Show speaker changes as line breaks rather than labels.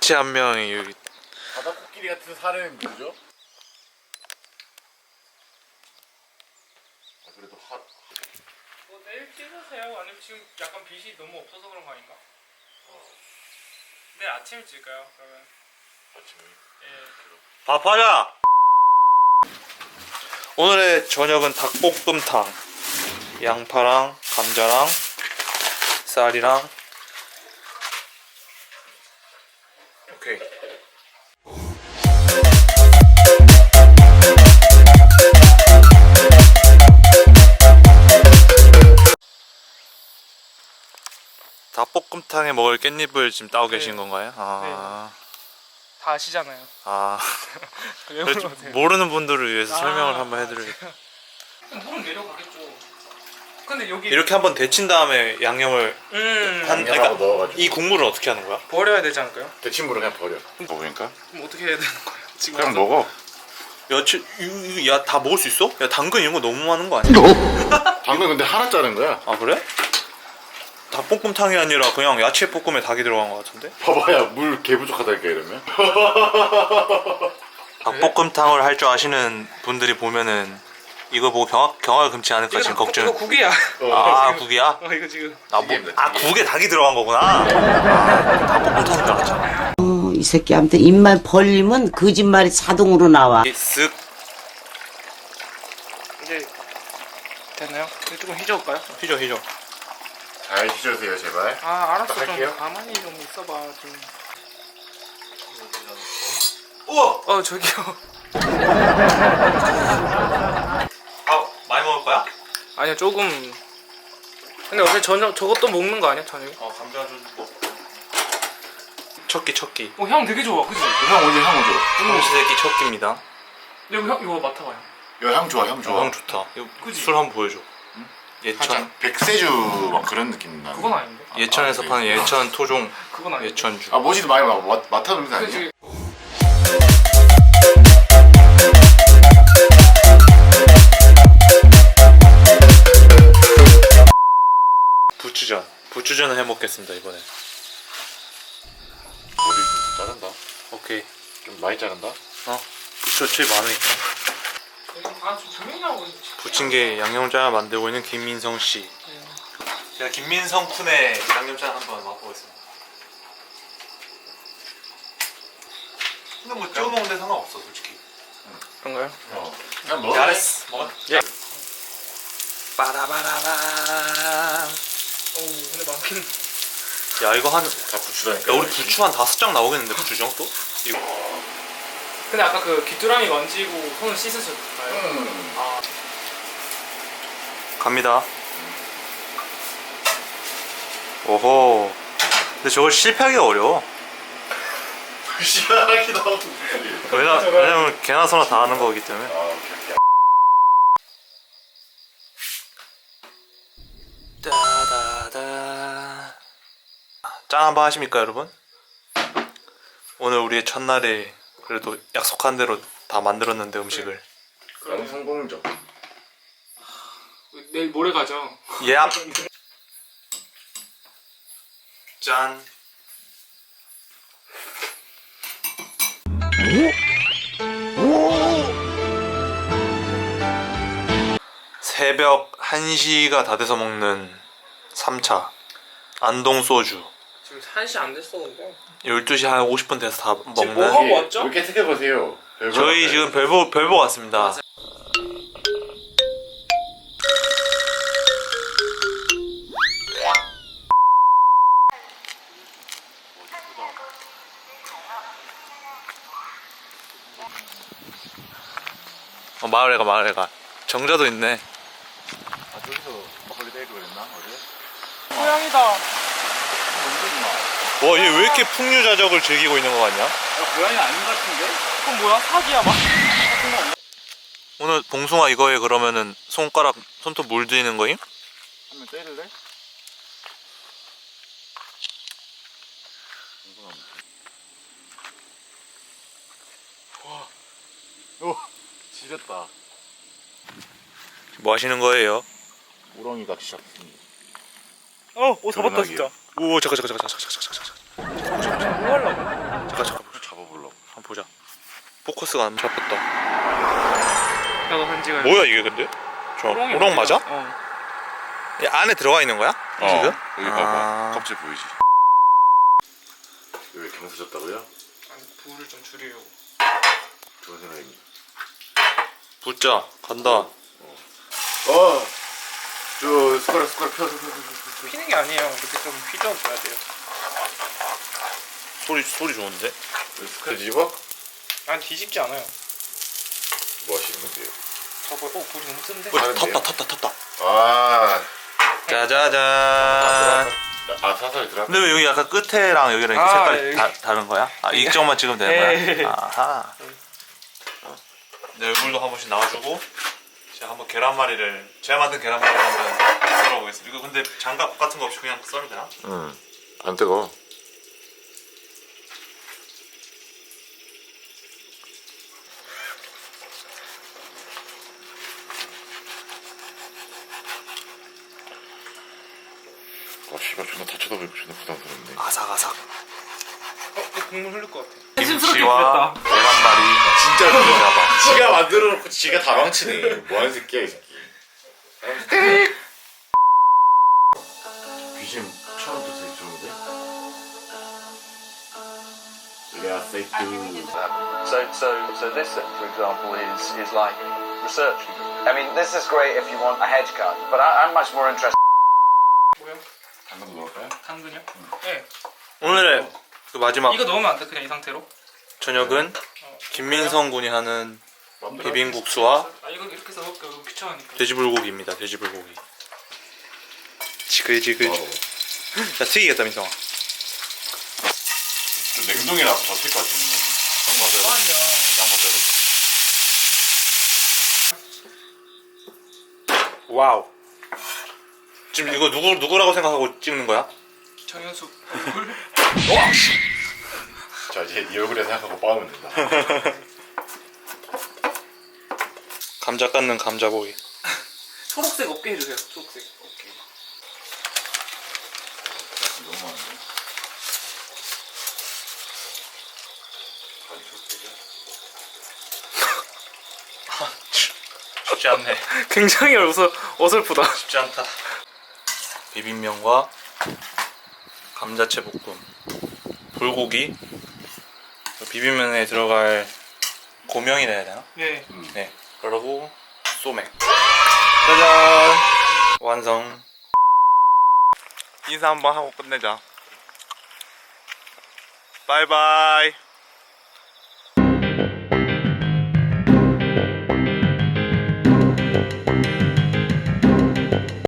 개체 한 명이 여기.
바다코끼리 같은 살은 뭐죠? 그래도
뭐 내일 찍으세요? 아니면 지금 약간 빛이 너무 없어서 그런 거 아닌가? 내일 아침에 찍을까요? 그러면
아침에.
예.
밥하자. 오늘의 저녁은 닭볶음탕. 양파랑 감자랑 쌀이랑. 오케이. 닭볶음탕에 먹을 깻잎을 지금 따고
네.
계신 건가요? 아,
다 아시잖아요.
아.
왜
그래도
물어보세요?
모르는 분들을 위해서 설명을 한번
아,
해드려야겠다.
물은 내려가겠죠. 근데 여기
이렇게 한번 데친 다음에 양념을
양념하고
그러니까
넣어가지고.
이 국물을 어떻게 하는 거야?
버려야 되지 않을까요?
데친물을 그냥 버려. 먹으니까?
그럼 어떻게 해야 되는 거예요? 지금
그냥
와서?
먹어.
야, 다 먹을 수 있어? 야, 당근 이런 거 너무 많은 거 아니야?
당근 근데 하나 자른 거야.
아, 그래? 닭볶음탕이 아니라 그냥 야채 볶음에 닭이 들어간 거 같은데?
봐봐야 물 개 부족하다니까 이러면.
닭볶음탕을 할 줄 아시는 분들이 보면은 이거 보고 경악을 금치 않을까 지금 걱정.
이거 국이야.
아, 국이야?
이거 지금
국에 닭이 들어간 거구나. 아, 닭볶음탕인 줄 알았잖아.
이 새끼한테 입만 벌리면 거짓말이 자동으로 나와.
쓱.
이제 됐나요? 이거 조금 휘저을까요?
휘저.
잘 휘저으세요 제발.
아 알았어.
할게요.
좀 가만히 좀 있어봐 좀.
우와!
저기요.
밥 많이 먹을 거야?
아니요 조금. 근데 어제 저것도 먹는 거 아니야 저녁에?
감자 좀 먹고. 척기.
향 되게 좋아, 그지?
향 오지 향 오죠.
삼시세끼 척기입니다.
이거 맡아봐요.
야향 좋아 향 좋아.
향 좋다. 이거
그치?
술 한번 보여줘. 예천.
살짝 백세주 막 그런 느낌 나.
그건 아닌데.
예천에서
아,
파는
그래.
예천 토종
그건 아닌데.
예천주.
아 뭐지도 많이 맡아놓는 거 아니야?
그지?
부추전을 해 먹겠습니다 이번에.
머리 좀 자른다.
오케이.
좀 많이 자른다.
부추 어차피 많으니까.
지금 조용히 하고 있지.
부침개 양념장 만들고 있는 김민성 씨. 제가 김민성 쿤의 양념장 한번 맛보겠습니다. 근데 뭐 찍어 먹는데 상관없어 솔직히.
그런가요?
그냥 먹어.
잘했어. 먹어. 예. 빠라바라바.
근데 많긴.
야 이거 한.
다 부추다니까.
야 우리 부추 한 5장 나오겠는데 부추장 또? 이거.
근데 아까 그 귀뚜라미 만지고 손을 씻으셨나요? 아
갑니다. 오호. 근데 저걸 실패하기가 어려워.
시원하기도 하고.
왜냐면 개나 소나 다 하는 거기 때문에.
아 오케이.
따다다. 짠 한번 하십니까 여러분? 오늘 우리의 첫날에 그래도 약속한 대로 다 만들었는데 음식을.
너무 성공적.
내일 모레 가죠.
예. 짠. 새벽 1시가 다 돼서 먹는 3차 안동 소주.
지금 1시 안 됐어 근데.
12시 한 50분 돼서 다
지금 뭐
먹는.
하고 왔죠?
이렇게 생각해 보세요.
저희 지금 별보 왔습니다. 마을에가 정자도 있네.
아 저기서 홀리데이로 그랬나 어제?
고양이다.
와, 얘 왜 이렇게 풍류자적을 즐기고 있는 거 같냐?
야 고양이 아닌 것 같은데?
그건 뭐야? 사기야 막.
오늘 봉숭아 이거에 그러면은 손톱 물들이는 거임?
한번 때릴래? 와, 오, 지렸다.
뭐 하시는 거예요?
우렁이 낚시 잡습니다.
잡았다 진짜.
오, 잠깐.
뭐 하려고?
잠깐
잡아보려고.
한번 보자. 포커스가 안 잡혔다.
나도 한 지가.
뭐야 이게 근데? 저 우렁 맞아? 이 안에 들어가 있는 거야? 지금?
여기 봐봐. 껍질 보이지? 왜 경사졌다고요?
아니, 불을 좀 줄이려고.
좋은 생각입니다.
붙자. 간다.
저 숟가락 펴.
피는 게 아니에요. 이렇게 좀 휘저어줘야 돼요.
소리 좋은데?
숟가락 뒤집어?
아니 뒤집지 않아요.
뭐 하시는 건데요?
저거 불이 너무 센데.
다른데요?
탔다.
아,
짜자잔.
사설이 들어?
근데 왜 여기 약간 끝에랑 여기랑 이렇게
아,
색깔이
여기.
다른 거야? 아, 이쪽만 찍으면 되는 거야? 아하. 내 얼굴도 한 번씩 나와주고 제가 한번 계란말이를 제가 만든 계란말이를 한번 썰어보겠습니다. 이거 근데 장갑 같은 거 없이 그냥 썰면 되나?
응. 안 뜨거. 씨발 존나 다 쳐다보니까 존나 부담스럽네.
아삭아삭.
이 국물 흐를 것 같아.
김치와 계란말이.
진짜 그러나봐. 지가 만들어놓고 지가 다 망치네. 뭐하는 새끼야 이 새끼. 귀신 처음부터 되게 좋은데? 레아 세이크.
So this, for example, is like research. I mean, this is great if you want a hedge cut, but I'm much more interested.
뭐야?
당근 넣을까요?
당근이요? 네.
오늘의 그 마지막
이거 넣으면 안 돼. 그냥 이 상태로.
저녁은 김민성 군이 하는 비빔국수와
이거 이렇게 해서 먹기 너무 귀찮으니까.
돼지불고기입니다. 돼지불고기. 지글지글. 자 튀기겠다 민성아.
냉동이라 더 튈 것 같아.
와우. 지금 이거 누구라고 생각하고 찍는 거야?
정현수 얼굴.
자 이제 네 얼굴에 생각하고 빠으면 된다.
감자 깎는 감자보이.
초록색 없게 해주세요. 초록색.
오케이. 너무 많은데?
쉽지 않네.
굉장히 어설프다.
쉽지 않다. 비빔면과 감자채 볶음, 불고기, 비빔면에 들어갈 고명이라 해야 되나?
예.
네. 그리고 소맥. 짜잔. 완성. 인사 한번 하고 끝내자. 바이바이.